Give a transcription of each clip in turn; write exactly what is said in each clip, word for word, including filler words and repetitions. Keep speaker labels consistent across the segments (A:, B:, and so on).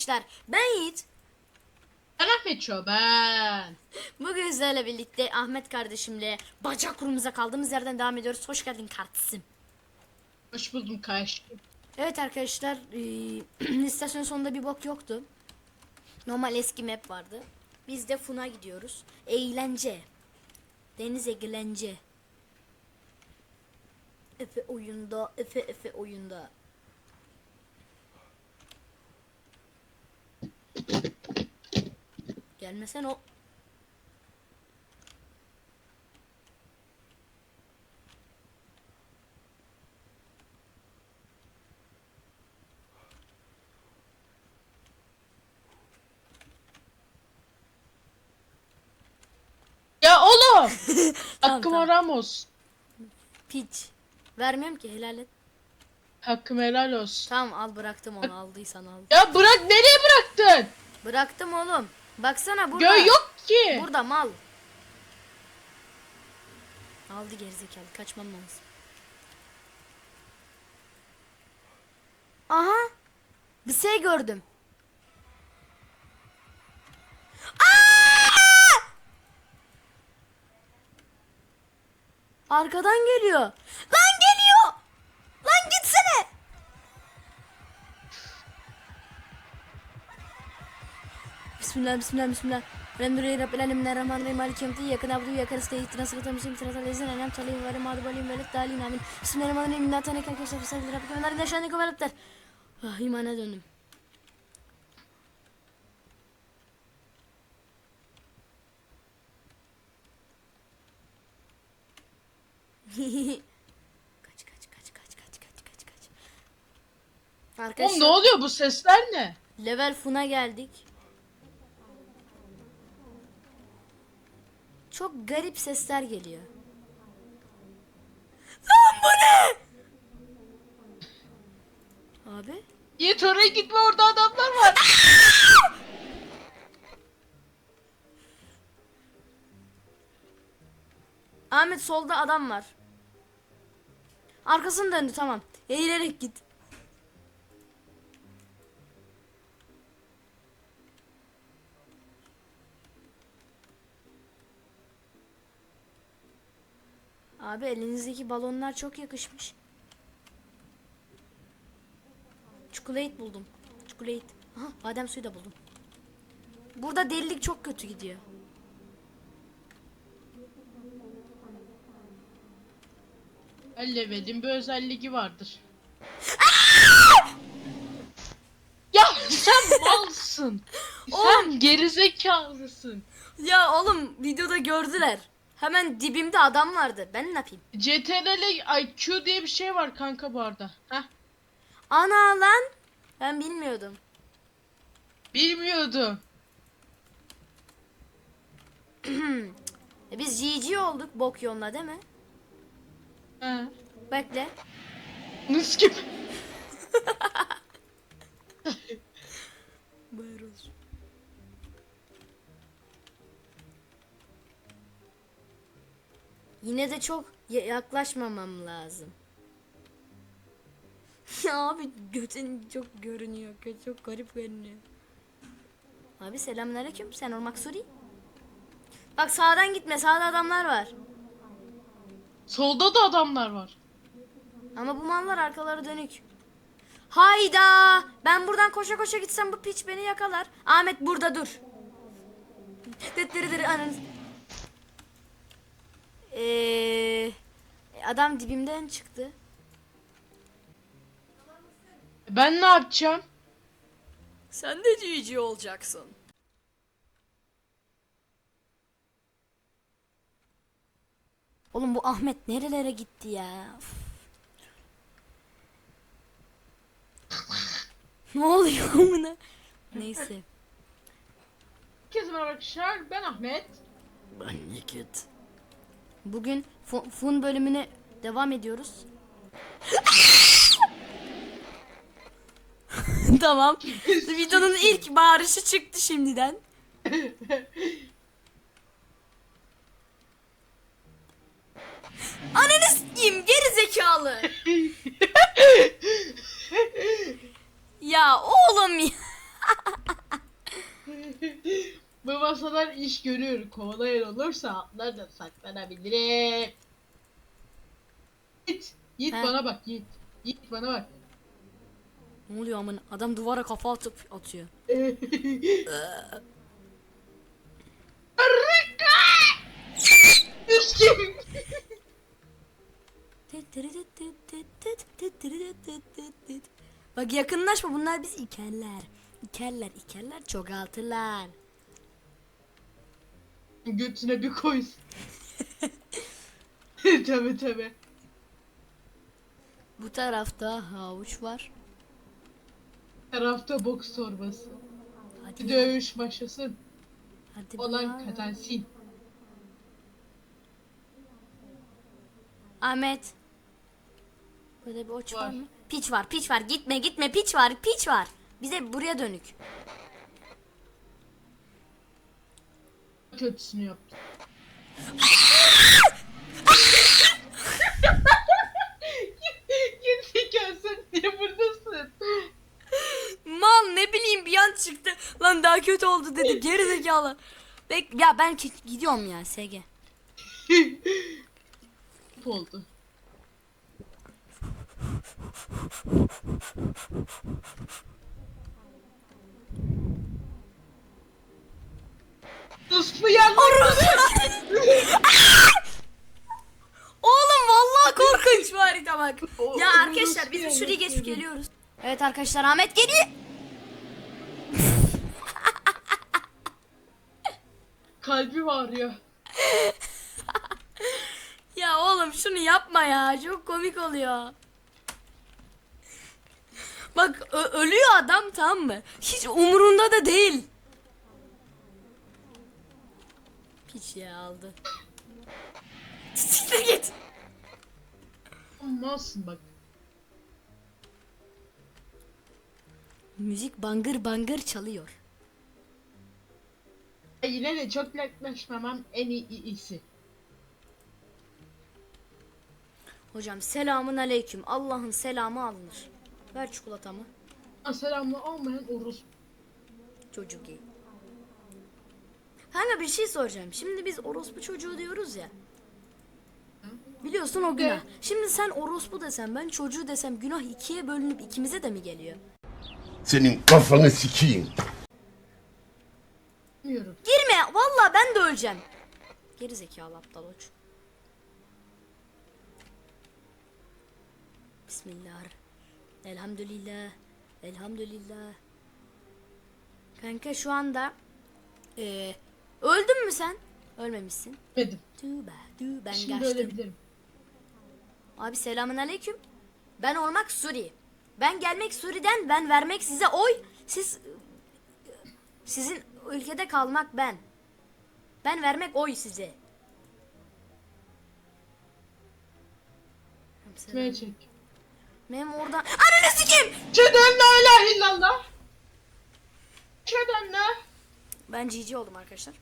A: Arkadaşlar ben Yiğit.
B: Ben Ahmet Çoban.
A: Bugün sizlerle birlikte Ahmet kardeşimle bacak kurumuza kaldığımız yerden devam ediyoruz. Hoş geldin kardeşim.
B: Hoş buldum kardeşim.
A: Evet arkadaşlar e, istasyon sonunda bir bok yoktu. Normal eski map vardı. Biz de Fun'a gidiyoruz. Eğlence. Deniz eğlence. Efe oyunda, Efe Efe oyunda. Gelmesen o.
B: Ya oğlum.
A: Tamam,
B: Hakkım
A: tamam.
B: Ramos.
A: Piç. Vermiyorum ki, helal et.
B: Hakkım helal olsun.
A: Tamam al, bıraktım onu, aldıysan al.
B: Ya bırak, nereye bıraktın?
A: Bıraktım oğlum. Baksana burada.
B: Göğ yok ki.
A: Burada mal. Aldı gerizekalı, kaçmam lazım. Aha. Bir şey gördüm. Aa! Arkadan geliyor. Lan geliyor. Lan gitsene. Bismillah bismillah bismillah. Elhamdülillahi Rabbil alemin errahmanirrahim maliki yevmiddin yakın abdu yakın isteği ihtina sıkıntı müsim sıratal lezzen enem talim ve mağdub alim ve let dalin amin. Bismillahirrahmanirrahim. İnna taneken keşef fesavli Rabbike ve narin eşanike ve lepter. Ah, imana döndüm. Kaç kaç kaç kaç kaç kaç kaç kaç.
B: Oğlum
A: Arkadaşlar
B: ne oluyor, bu sesler ne?
A: level Fun'a geldik. Çok garip sesler geliyor. Lan bu ne? Abi.
B: Yiğit oraya gitme, orada adamlar var.
A: Ahmet solda adam var. Arkasını döndü, tamam. Eğilerek git. Abi elinizdeki balonlar çok yakışmış. Çikolat buldum. Çikolat. Aha, badem suyu da buldum. Burada delilik çok kötü gidiyor.
B: Ellevedin bir özelliği vardır. Ya sen malsın. Sen gerizekalısın.
A: Ya oğlum, videoda gördüler. Hemen dibimde adam vardı. Ben ne yapayım?
B: C T R L I Q diye bir şey var kanka bu arada. Heh.
A: Ana lan. Ben bilmiyordum.
B: Bilmiyordum.
A: E biz G G olduk bok yoluna, değil mi?
B: He.
A: Bekle.
B: Nıs gibi.
A: Buyuruz. Yine de çok ya- yaklaşmamam lazım. Ya abi götün çok görünüyor. Göt çok garip görünüyor. Abi selamünaleyküm. Sen olmak Suri. Bak sağdan gitme. Sağda adamlar var.
B: Solda da adamlar var.
A: Ama bu mallar arkaları dönük. Hayda! Ben buradan koşa koşa gitsem bu piç beni yakalar. Ahmet burada dur. Dıttırıdır ananız. Ee, adam dibimden çıktı.
B: Ben ne yapacağım?
A: Sen de G G olacaksın. Oğlum bu Ahmet nerelere gitti ya? Üf. Ne oluyor amına? Neyse.
B: Herkese merhaba arkadaşlar, ben Ahmet.
A: Ben Nikit. Bugün fu- Fun bölümüne devam ediyoruz. Tamam. Videonun ilk bağırışı çıktı şimdiden. Ananı s**eyim geri zekalı. Ya oğlum ya.
B: Bu masalar iş görür. Kovalayan olursa atlardan saklanabilirim. Yiğit. Yiğit
A: He?
B: bana bak Yiğit. Yiğit bana bak.
A: Ne oluyor amına? Adam duvara kafa atıp atıyor.
B: Düştüm.
A: Bak yakınlaşma, bunlar biz ikerler. İkerler, ikerler çoğaltırlar.
B: Götüne bir koysun. Tabi tabi.
A: Bu tarafta havuç var.
B: Tarafta boks torbası.
A: Hadi
B: Bir
A: ya,
B: dövüş başlasın.
A: hadi be
B: Olan
A: ya.
B: kazansın.
A: Ahmet. Böyle bir oç var.
B: Var.
A: mı? Piç var, piç var. Gitme, gitme. Piç var, piç var. Bize buraya dönük.
B: Kötüsünü yaptı. Gerizekalı sen niye buradasın?
A: Mal, ne bileyim, bir an çıktı. Lan daha kötü oldu dedi. Geri zekalı. Bek ya ben ki- gidiyorum ya S G.
B: oldu. Uslu yandı.
A: Oğlum vallahi korkunç bir harita bak.
B: O-
A: Ya
B: o
A: arkadaşlar biz
B: nasıl
A: şurayı
B: yani?
A: geçip geliyoruz. Evet arkadaşlar, Ahmet geliyor.
B: Kalbi var ya.
A: Ya oğlum şunu yapma ya. Çok komik oluyor. Bak ö- ölüyor adam, tamam mı? Hiç umurunda da değil. Piç ya, aldı. Siktir git.
B: Olmazsın bak.
A: Müzik bangır bangır çalıyor.
B: Yine de çok yaklaşmamam en iyi iyisi.
A: Hocam selamun aleyküm. Allah'ın selamı alınır. Ver çikolatamı.
B: Selamlı olmayan orospu.
A: Çocuk iyi. Kanka bir şey soracağım. Şimdi biz orospu çocuğu diyoruz ya. Biliyorsun o günah.
B: Evet.
A: Şimdi sen orospu desem, ben çocuğu desem, günah ikiye bölünüp ikimize de mi geliyor?
C: Senin kafanı sikeyim.
B: Bilmiyorum.
A: Girme. Vallahi ben de öleceğim. Geri zekalı aptal uç. Bismillah. Elhamdülillah. Elhamdülillah. Kanka şu anda eee öldün mü sen? Ölmemişsin.
B: Dedim.
A: Tübe, tübe, ben
B: Şimdi
A: kaçtım.
B: ölebilirim.
A: Abi selamun aleyküm. Ben olmak Suri. Ben gelmek Suri'den, ben vermek size oy. Siz sizin ülkede kalmak ben. Ben vermek oy size.
B: Kime çek.
A: Benim oradan... Ananı sikeyim!
B: Çeden la ilahe illallah. Çeden la.
A: Ben G G oldum arkadaşlar.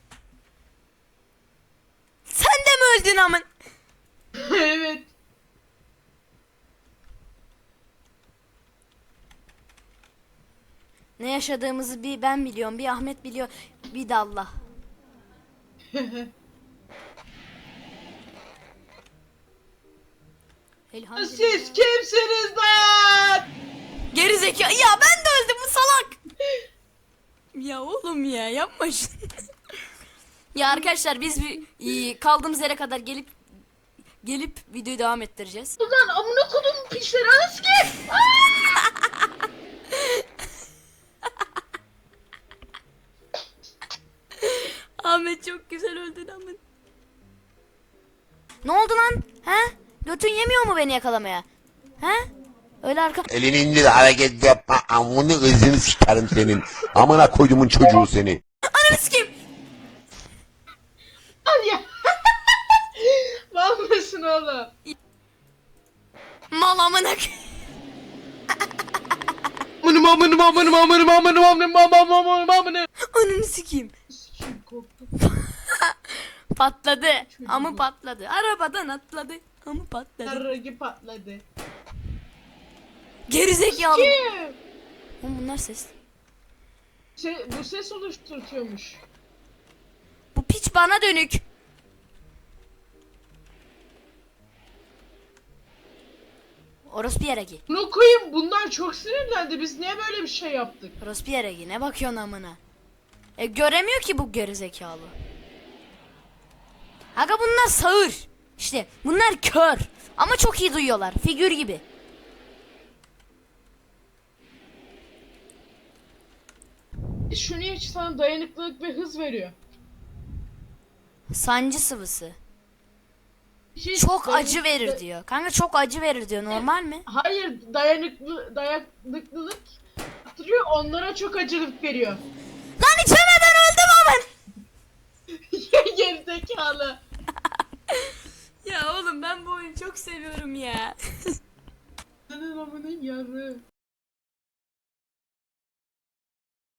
A: Sen de mi öldün amın?
B: Evet.
A: Ne yaşadığımızı bir ben biliyorum, bir Ahmet biliyor, bir de Allah. Elhamdülillah.
B: Siz kimsiniz lan?
A: Geri zeka. Ya ben de öldüm bu salak. Ya oğlum ya, yapma şunu. Ya arkadaşlar biz bir iyi, kaldığımız yere kadar gelip gelip videoyu devam ettireceğiz.
B: Ulan amına kodum pisleri anası ki.
A: Ahmet çok güzel öldün Ahmet. Ne oldu lan? He? Götün yemiyor mu beni yakalamaya? He? Öyle arka...
C: Elini indir hareket yapma. Amını ızını sikerim senin. Amına koydumun çocuğu seni.
A: Ananı sikeyim.
B: Al ya. Mal mısın oğlum?
A: Mal amına.
B: Amınım amınım amınım amınım amınım amınım amınım amınım amınım.
A: Ananı sikeyim.
B: Sikim korktum.
A: Patladı. Amı patladı. Arabadan atladı. Amı patladı.
B: Sarragi patladı.
A: Gerizekalı.
B: Kim?
A: Oğlum bunlar ses.
B: Se bu ses oluşturuyormuş.
A: Bu piç bana dönük. Orospu yere gi.
B: Bunu koyayım, bunlar çok sinirlendi. Biz niye böyle bir şey yaptık?
A: Orospu yere gi. Ne bakıyorsun amına? E göremiyor ki bu gerizekalı. Aga bunlar sağır. İşte bunlar kör. Ama çok iyi duyuyorlar. Figür gibi.
B: E, Şu niye sana dayanıklılık ve hız veriyor?
A: Sancı sıvısı.
B: Hiç
A: Çok
B: dayanık-
A: acı verir
B: da-
A: diyor. Kanka çok acı verir diyor. Normal mi?
B: Hayır, dayanıklı dayanıklılık arttırıyor, onlara çok acılık veriyor.
A: Lan içemeden öldüm aman.
B: Gerizekalı.
A: Ya oğlum ben bu oyunu çok seviyorum ya.
B: Senin amının yarı.